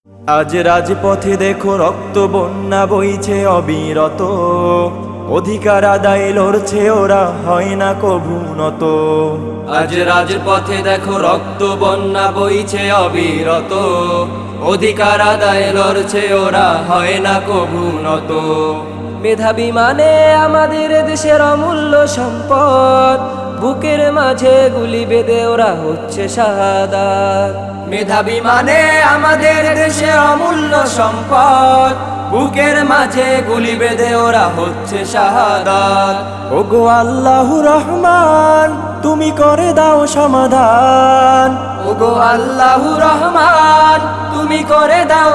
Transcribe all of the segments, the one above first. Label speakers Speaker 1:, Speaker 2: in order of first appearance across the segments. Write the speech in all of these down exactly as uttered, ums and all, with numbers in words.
Speaker 1: আজ রাজপথে দেখো রক্ত বন্যা বইছে অবিরত, অধিকার আদায় লড়ছে ওরা হয় না কভু নত।
Speaker 2: আজ রাজপথে দেখো রক্ত বন্যা বইছে অবিরত, অধিকার আদায় লড়ছে ওরা হয় না কভু নত।
Speaker 3: মেধাবী মানে আমাদের দেশের অমূল্য সম্পদ, বুকের মাঝে গুলি বেঁধে ওরা হচ্ছে শাহাদাত।
Speaker 2: মেধাবী মানে আমাদের দেশের অমূল্য সম্পদ, বুকের মাঝে গুলি বেঁধে ওরা হচ্ছে শাহাদাত।
Speaker 1: ওগো আল্লাহু রহমান তুমি করে দাও সমাধান,
Speaker 2: ওগো আল্লাহু রহমান তুমি করে দাও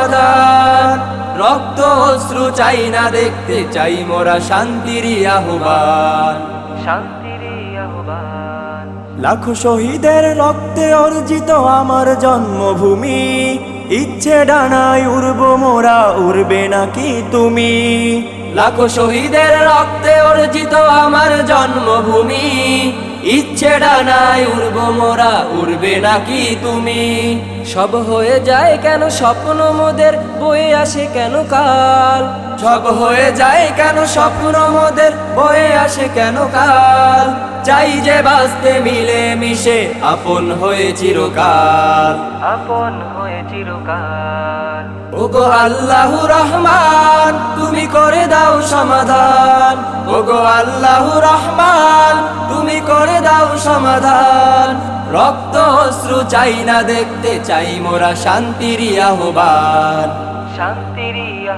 Speaker 2: সমাধান। রক্ত অশ্রু চাই না দেখতে, চাই মোরা শান্তির আহ্বান, শান্তির আহ্বান।
Speaker 1: লাখো শহীদের রক্তে অর্জিত আমার জন্মভূমি, ইচ্ছে ডানায় উড়ব মোরা উড়বে নাকি তুমি?
Speaker 2: লাখো শহীদের রক্তে অর্জিত আমার জন্মভূমি, ইচ্ছে ডানায় উড়ব মোরা উড়বে নাকি তুমি?
Speaker 3: সব হয়ে যায় কেন স্বপ্ন মোদের, বয়ে আসে কেন কাল।
Speaker 2: সব হয়ে যায় কেন স্বপ্ন মোদের, বয়ে আসে কেন কাল। চাই যে বাঁচতে মিলে মিশে আপন হয়ে চিরকাল,
Speaker 3: আপন হয়ে চিরকাল।
Speaker 2: ওগো আল্লাহু রহমান তুমি করে দাও সমাধান, ওগো আল্লাহু রহমান তুমি করে দাও সমাধান। রক্ত অশ্রু চাই না দেখতে, চাই মোরা শান্তির আহ্বান, শান্তির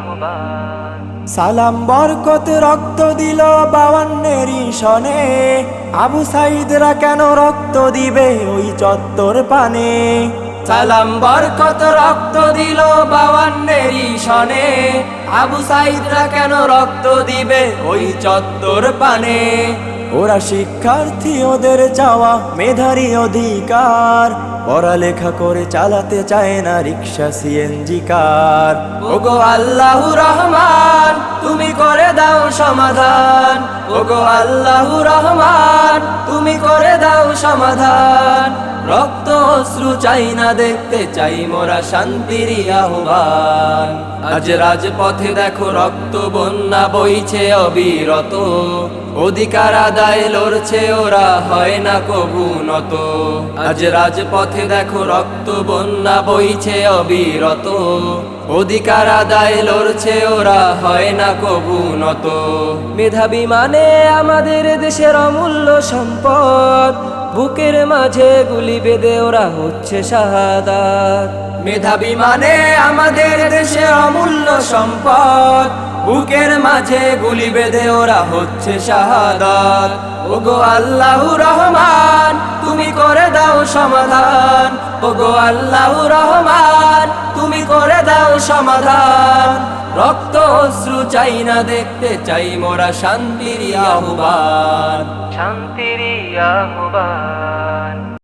Speaker 2: আহ্বান।
Speaker 1: সালাম বরকত রক্ত দিল বাওয়ান্নেরই সনে, আবু সাইদরা কেন রক্ত দিবে ওই চত্বর পানে?
Speaker 2: সালাম বরকত রক্ত দিল বাওয়ান্নেরই সনে, আবু সাইদরা কেন রক্ত দিবে ওই চত্বর পানে?
Speaker 1: ওরা শিক্ষার্থী ওদের চাওয়া মেধারী অধিকার, পড়ালেখা করে চালাতে চায় না রিক্সা সিএনজি কার।
Speaker 2: ওগো আল্লাহু রহমান তুমি করে দাও সমাধান, ওগো আল্লাহু রহমান তুমি করে দাও সমাধান। রক্ত অশ্রু চাই না দেখতে, চাই মোরা শান্তির আহ্বান। আজ রাজপথে দেখো রক্ত বন্যা বইছে অবিরত, অধিকার আদায় লড়ছে ওরা হয় না কভু নত। আজ রাজপথে দেখো রক্ত বন্যা বইছে অবিরত, অধিকার আদায় লড়ছে ওরা হয় না কভু নত।
Speaker 3: মেধাবী মানে আমাদের দেশের অমূল্য সম্পদ, বুকের মাঝে গুলি বেঁধে ওরা হচ্ছে শাহাদাত।
Speaker 2: মেধাবী মানে আমাদের দেশের অমূল্য সম্পদ, বুকের মাঝে গুলি বেঁধে ওরা হচ্ছে শাহাদাত। ওগো আল্লাহু রহমান তুমি করে দাও সমাধান, ওগো আল্লাহু রহমান তুমি করে দাও সমাধান। রক্ত অশ্রু চাই না দেখতে, চাই মোরা শান্তির আহ্বান, শান্তির আহ্বান।